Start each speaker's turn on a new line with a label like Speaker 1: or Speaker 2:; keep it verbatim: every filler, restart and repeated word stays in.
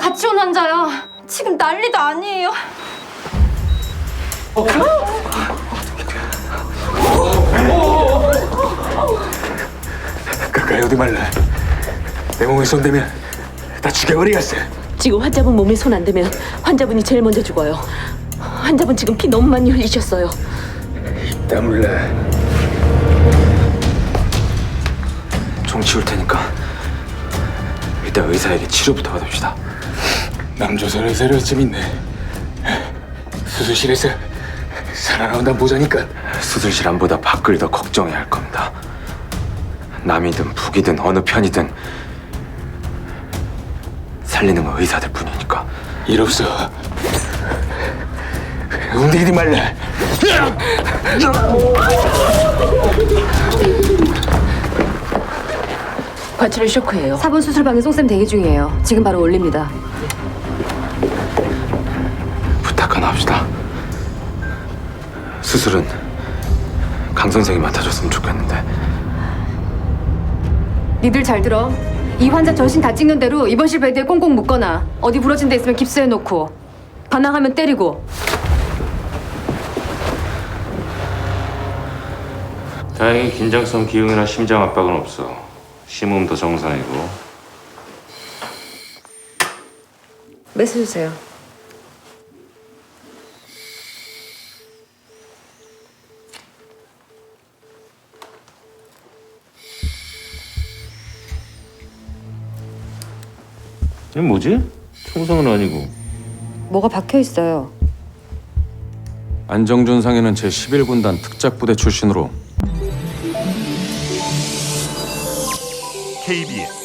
Speaker 1: 같이 온 환자야. 지금 난리도 아니에요.
Speaker 2: 어, 가까이 오지 말라. 내 몸에 손대면 다 죽여버리겠어.
Speaker 3: 지금 환자분 몸에 손 안 대면 환자분이 제일 먼저 죽어요. 환자분 지금 피 너무 많이 흘리셨어요.
Speaker 2: 입 다물라. 종 치울 테니까 일단 의사에게 치료부터 받읍시다. 남조선 의사를 어쩜 있네. 수술실에서 살아나온다 보자니까. 수술실 안보다 밖을 더 걱정해야 할 겁니다. 남이든 북이든 어느 편이든 살리는 건 의사들 뿐이니까. 일 없어. 움직이지 말라.
Speaker 3: 과출혈 쇼크예요.
Speaker 1: 사 번 수술방에 송쌤 대기 중이에요. 지금 바로 올립니다.
Speaker 2: 부탁 하나 합시다. 수술은 강 선생이 맡아줬으면 좋겠는데.
Speaker 1: 니들 잘 들어. 이 환자 전신 다 찍는 대로 입원실 베드에 꽁꽁 묶거나 어디 부러진 데 있으면 깁스해놓고 반항하면 때리고.
Speaker 4: 다행히 긴장성 기흉이나 심장 압박은 없어. 심음도 정상이고.
Speaker 1: 메스 주세요.
Speaker 4: 이게 뭐지? 총성은 아니고.
Speaker 1: 뭐가 박혀 있어요.
Speaker 5: 안정준 상인은 제십일 군단 특작부대 출신으로
Speaker 6: 케이비에스